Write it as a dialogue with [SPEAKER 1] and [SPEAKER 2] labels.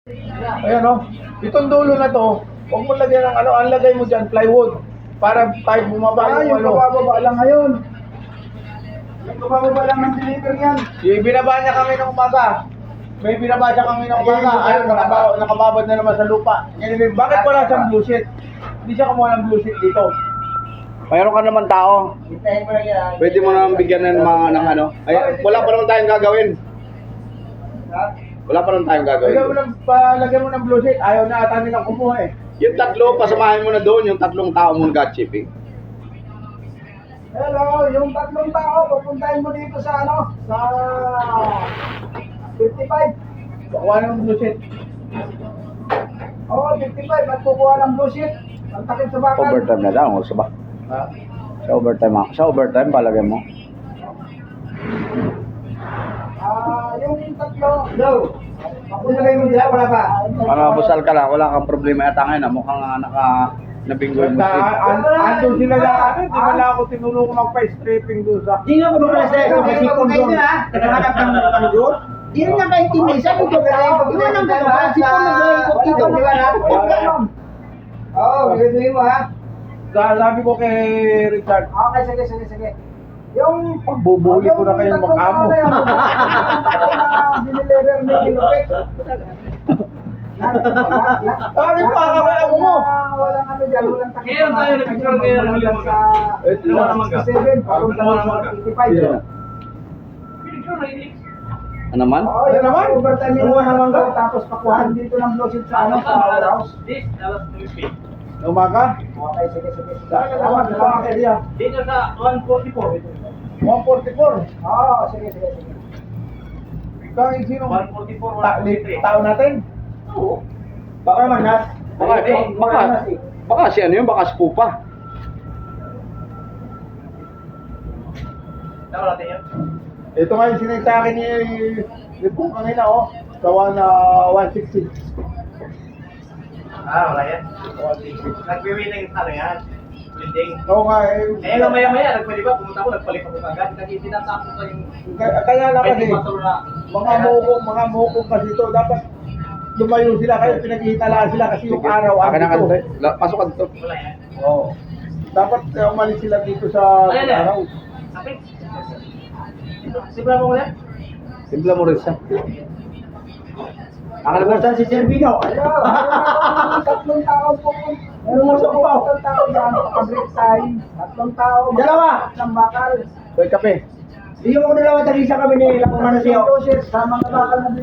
[SPEAKER 1] Ayan o. Itong dulo na to, huwag mo lagyan ng ano, ang lagay mo dyan, plywood. Para tayo bumaba yung ano.
[SPEAKER 2] Bababa lang ngayon. Yung bababa lang ng deliver yan.
[SPEAKER 1] Binaba niya kami ng umaga. May binaba siya kami ng umaga. Ayun, nakababad na naman sa lupa. Bakit wala siyang blue sheet? Hindi siya kumuha ng blue sheet dito.
[SPEAKER 3] Mayroon ka naman tao.
[SPEAKER 2] Hintayin mo lang yan.
[SPEAKER 3] Pwede mo naman bigyan ng mga ng ano. Ay, wala pa naman tayong gagawin.
[SPEAKER 2] Ha?
[SPEAKER 3] Wala pa naman tayong gagawin.
[SPEAKER 1] Lagyan mo ng blue sheet. Ayaw na ata nilang kumuha eh.
[SPEAKER 3] Yung tatlo, pasamahin mo na doon, yung tatlong tao mo nag-shipping.
[SPEAKER 2] Hello, yung tatlong tao, pupuntahin mo dito sa ano? Sa 55.
[SPEAKER 1] Kukuha ng blue sheet.
[SPEAKER 2] Oo, 55. At kukuha ng blue sheet. Ang takip sa bakal.
[SPEAKER 3] Overtime na lang, o sa ba?
[SPEAKER 1] Ha?
[SPEAKER 3] Sa overtime, palagay mo.
[SPEAKER 2] Yung tatlo. Go. Pagpunalay mo dyan, wala pa.
[SPEAKER 3] Busal ka lang, wala kang problema yata ngayon. Mukhang nabinggoy mo.
[SPEAKER 1] Andun sila na ano, di ba na ako tinulong mag-pa-stripping doon sa...
[SPEAKER 2] Di nga pumunta sa ito kasi kondon. Nakahanap ng ano doon? Di rin nakaintindi. Sabi ko, iwan ang gano'n. Si Pong nag-iikot dito. Di ba na? Oo, gagawin mo ha.
[SPEAKER 1] Sabi ko kay Richard,
[SPEAKER 2] Okay, sige. Yung
[SPEAKER 1] pagbubuli ko na kayo magkamo.
[SPEAKER 2] Dinilever ni Lupit.
[SPEAKER 1] Bakit pa kakaya mo?
[SPEAKER 2] Walang ano dyan, walang takip.
[SPEAKER 4] Ngayon tayo nag-picture ngayon ng Lilang Maga.
[SPEAKER 2] Sa 67, papunta na sa 85.
[SPEAKER 3] Ano man?
[SPEAKER 2] Oo, yun naman. Overtime yung mga mangga. Tapos pakuhan dito ng blowset sa ano, sa warehouse.
[SPEAKER 4] This, alas 2:00.
[SPEAKER 1] Umaga?
[SPEAKER 2] Okay, sige.
[SPEAKER 1] Salamat sa area.
[SPEAKER 4] Dito sa 144.
[SPEAKER 1] 144.
[SPEAKER 2] Oo, sige.
[SPEAKER 1] Ikaw yung sino?
[SPEAKER 4] 144, 143.
[SPEAKER 1] Tao natin?
[SPEAKER 4] Oo.
[SPEAKER 2] Baka manas.
[SPEAKER 3] Baka si ano yun, baka si Pupa.
[SPEAKER 4] Tama natin yan.
[SPEAKER 1] Ito nga yung sinay sa akin ni Pong kanina oh. Gawa na 160.
[SPEAKER 4] Wala yan. Nagwiwiling ano yan. Blending.
[SPEAKER 1] Oo nga
[SPEAKER 4] Eh, maya-maya, nagpali ba? Pumunta ako, nagpalit ako agad. Kasi tinatapos ko yung...
[SPEAKER 1] Kaya lang kasi,
[SPEAKER 4] motor na...
[SPEAKER 1] mga mukong kasi ito, dapat lumayo sila kayo, pinaghihitalaan sila kasi yung araw
[SPEAKER 3] Akin na
[SPEAKER 1] dito.
[SPEAKER 3] Pasok ka dito.
[SPEAKER 4] Wala yan.
[SPEAKER 1] Oo. Dapat umalis sila dito sa
[SPEAKER 4] Ayan na.
[SPEAKER 1] araw.
[SPEAKER 4] Kapit. Sibla mo ulit?
[SPEAKER 3] Simpla mo rin siya.
[SPEAKER 2] Nakalimutan si Servino. Ayun, tatlong tao po. Meron mo sa tatlong tao dyan, nakabreak time. Tatlong tao. Dalawa. Isang bakal.
[SPEAKER 3] Hoy, kape.
[SPEAKER 2] Hindi mo dalawa, tag-isa kami ni Lapungan na siya. Sa mga bakal na